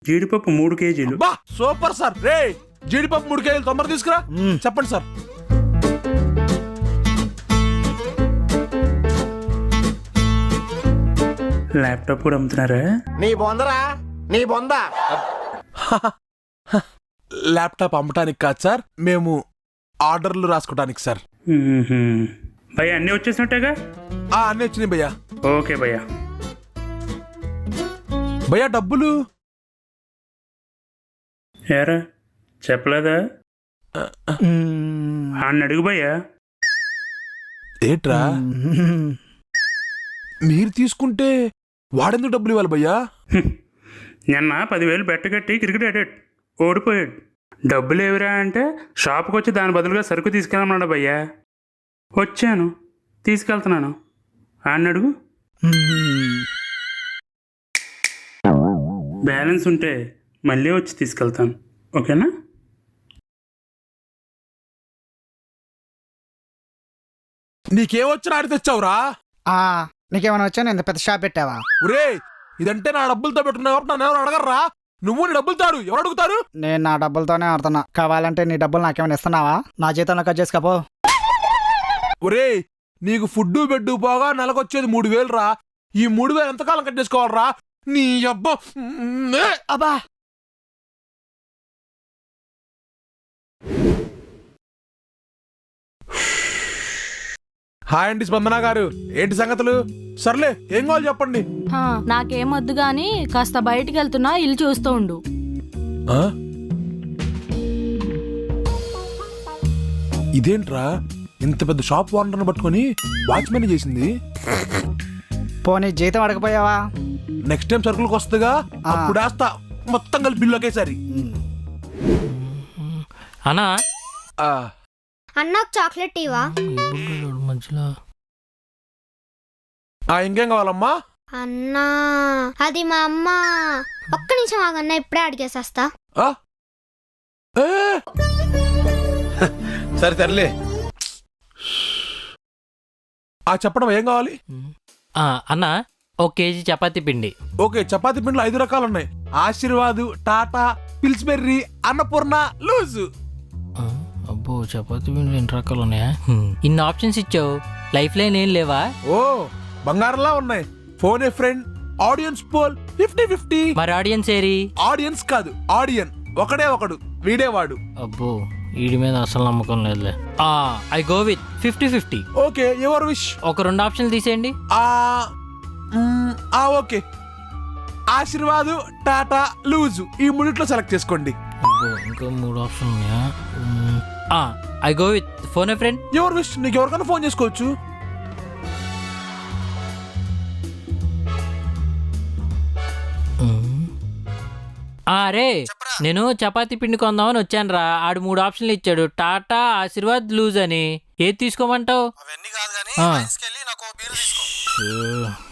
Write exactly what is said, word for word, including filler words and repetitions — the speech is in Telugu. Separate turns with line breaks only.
జీడిపప్పు మూడు కేజీలు.
బా సూపర్ సార్. రే జీడిపప్పు మూడు కేజీలు తొందర తీసుకురా. చెప్పండి సార్.
ల్యాప్టాప్ కూడా అమ్ముతున్నారా?
నీ బొందరా నీ బొంద.
ల్యాప్టాప్ అమ్మటానికి కాదు సార్, మేము ఆర్డర్లు రాసుకోవడానికి సార్.
భయ్యా అన్నీ వచ్చేసినట్టేగా?
ఆ అన్నీ వచ్చినాయి భయ్యా.
ఓకే భయ్యా.
భయ్యా డబ్బులు
ఏరా చెప్పలేదా? అన్న అడుగు భయ్యా.
ఏట్రా మీరు తీసుకుంటే వాడెందుకు డబ్బులు ఇవ్వాలి భయ్యా?
నిన్న పదివేలు బెట్టగట్టి క్రికెట్ ఆడాడు, ఓడిపోయాడు. డబ్బులు ఏవిరా అంటే షాప్కి వచ్చి దాని బదులుగా సరుకు తీసుకెళ్ళమన్నాడు భయ్యా. వచ్చాను, తీసుకెళ్తున్నాను. అన్న అడుగు. బ్యాలెన్స్ ఉంటే మళ్ళీ వచ్చి తీసుకెళ్తాను, ఓకేనా?
నీకేమొచ్చినా ఆడి తెచ్చావురా?
నీకేమైనా వచ్చా? ఇంత పెద్ద షాప్ పెట్టావా?
ఒరే ఇదంటే నా డబ్బులతో పెట్టుకున్నావు కాబట్టి నన్ను ఎవరు అడగర్రా. నువ్వు నీ డబ్బులు తాడు, ఎవరు అడుగుతారు?
నేను నా డబ్బులతోనే ఆడుతున్నా. కావాలంటే నీ డబ్బులు నాకేమైనా ఇస్తున్నావా? నా జీతంలో కట్ చేసుకోపో.
ఒరే నీకు ఫుడ్ బెడ్ పోగా నెలకొచ్చేది మూడు వేలు రా. ఈ మూడు వేలు ఎంతకాలం కట్ చేసుకోవాలరా? నీ అబ్బా
అబ్బా
హాయ్ అండి స్పందన గారు, ఏంటి సంగతులు? సర్లే ఏం కావాలి చెప్పండి.
నాకేమొద్దు గాని కాస్త బయటికి వెళ్తున్నా, ఇల్లు చూస్తూ ఉండు.
ఇదేంట్రా ఇంత పెద్ద షాప్ ఓనర్ని పట్టుకొని వాచ్మెన్ చేసింది?
పోనీ జీతం అడగపోయావా?
నెక్స్ట్ టైం సరుకులకు వస్తుందిగా, అప్పుడు వేస్తా మొత్తం కలిపి బిల్లు ఒకేసారి.
అన్నా
అన్నకు చాక్లెట్ ఇవా?
మధ్యలో
ఇంకేం కావాలమ్మా?
అన్నా అది మా అమ్మ. ఒక్క నిమిషం ఆగన్నా, ఇప్పుడే అడిగేసేస్తా.
సరే సర్లే. ఆ చెప్పడం ఏం కావాలి?
అన్నా ఒక కేజీ చపాతీ పిండి.
ఓకే, చపాతీ పిండిలో ఐదు రకాలు ఉన్నాయి. Aashirvaad, Tata, Pillsbury, Annapurna, loose.
అబ్బో చపాతీ పిండి ఎన్ని రకాలు ఉన్నాయా? ఇన్ని ఆప్షన్స్ ఇచ్చావు, లైఫ్ లైన్ ఏం లేవా?
ఓ బంగారంలా ఉన్నాయి. Phone a friend, audience poll fifty fifty.
మరి ఆడియన్స్ ఏరి?
ఆడియన్స్ కాదు ఆడియన్, ఒకడే ఒకడు, వీడేవాడు.
అబ్బో వీడి మీద అసలు నమ్మకం లేదులే. I go with fifty fifty.
Okay your wish.
ఒక రెండు ఆప్షన్లు తీసేయండి.
ఓకే, ఆశీర్వాదు, టాటా, లూజు ఈ మూడిట్లో సెలెక్ట్ చేసుకోండి.
అబ్బో ఇంకా మూడు ఆప్షన్లు ఉన్నాయా? I go with phone a friend.
Your wish, నీకు ఎవరికైనా ఫోన్ చేసుకోవచ్చు.
అరే నేను చపాతీ పిండి కొందామని వచ్చాను రా. ఆడు మూడు ఆప్షన్లు ఇచ్చాడు, టాటా, ఆశీర్వాద్, లూజ్ అని. ఏది తీసుకోమంటావు?